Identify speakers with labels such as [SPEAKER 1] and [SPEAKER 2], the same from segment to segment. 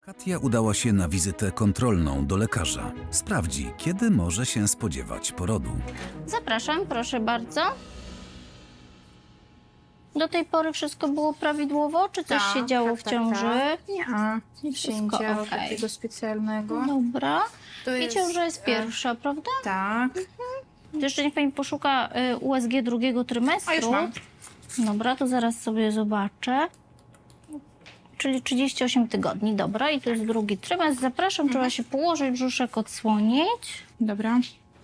[SPEAKER 1] Katia udała się na wizytę kontrolną do lekarza. Sprawdzi, kiedy może się spodziewać porodu.
[SPEAKER 2] Zapraszam, proszę bardzo. Do tej pory wszystko było prawidłowo, czy coś się działo w ciąży?
[SPEAKER 3] Nie, nic się nie
[SPEAKER 2] Wszystko
[SPEAKER 3] działo
[SPEAKER 2] okej.
[SPEAKER 3] takiego specjalnego.
[SPEAKER 2] Dobra.
[SPEAKER 3] To
[SPEAKER 2] I ciąża jest pierwsza, prawda?
[SPEAKER 3] Tak.
[SPEAKER 2] To jeszcze niech pani poszuka USG drugiego trymestru.
[SPEAKER 3] A już mam.
[SPEAKER 2] Dobra, to zaraz sobie zobaczę. Czyli 38 tygodni, dobra. I to jest drugi trymestr. Zapraszam, trzeba się położyć, brzuszek odsłonić.
[SPEAKER 3] Dobra.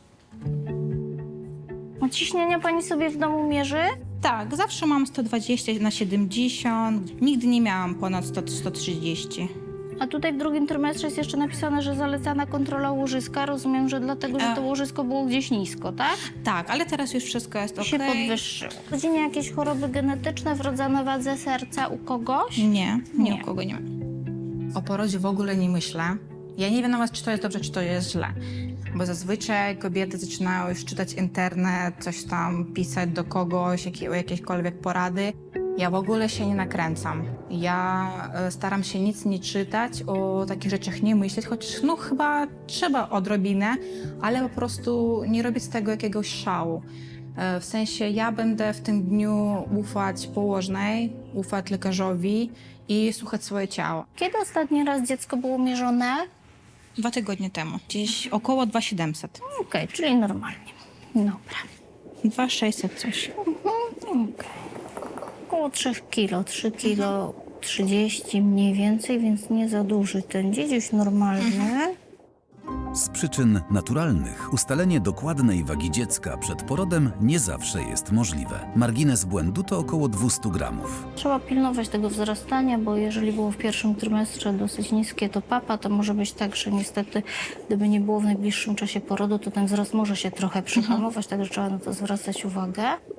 [SPEAKER 2] A ciśnienia pani sobie w domu mierzy?
[SPEAKER 3] Tak, zawsze mam 120/70. Nigdy nie miałam ponad 100-130.
[SPEAKER 2] A tutaj w drugim trymestrze jest jeszcze napisane, że zalecana kontrola łożyska. Rozumiem, że dlatego, że to łożysko było gdzieś nisko, tak?
[SPEAKER 3] Tak, ale teraz już wszystko jest
[SPEAKER 2] I
[SPEAKER 3] okej.
[SPEAKER 2] się podwyższyło. W rodzinie jakieś choroby genetyczne, wrodzone wadze serca u kogoś?
[SPEAKER 3] Nie,
[SPEAKER 2] Nie.
[SPEAKER 3] u kogo nie ma. O porodzie w ogóle nie myślę. Ja nie wiem nawet, czy to jest dobrze, czy to jest źle. Bo zazwyczaj kobiety zaczynają już czytać internet, coś tam pisać do kogoś, o jakiekolwiek porady. Ja w ogóle się nie nakręcam. Ja staram się nic nie czytać, o takich rzeczach nie myśleć, chociaż no chyba trzeba odrobinę, ale po prostu nie robić z tego jakiegoś szału. W sensie ja będę w tym dniu ufać położnej, ufać lekarzowi i słuchać swoje ciało.
[SPEAKER 2] Kiedy ostatni raz dziecko było mierzone?
[SPEAKER 3] 2 tygodnie temu, gdzieś około 2700.
[SPEAKER 2] Okej, czyli normalnie. Dobra.
[SPEAKER 3] 2600 coś.
[SPEAKER 2] Okej. Około 3 kilo, 3 kilo 30 mniej więcej, więc nie za duży ten dziedziuś normalny.
[SPEAKER 1] Z przyczyn naturalnych ustalenie dokładnej wagi dziecka przed porodem nie zawsze jest możliwe. Margines błędu to około 200 gramów.
[SPEAKER 2] Trzeba pilnować tego wzrastania, bo jeżeli było w pierwszym trymestrze dosyć niskie, to papa, to może być tak, że niestety, gdyby nie było w najbliższym czasie porodu, to ten wzrost może się trochę przyhamować, także trzeba na to zwracać uwagę.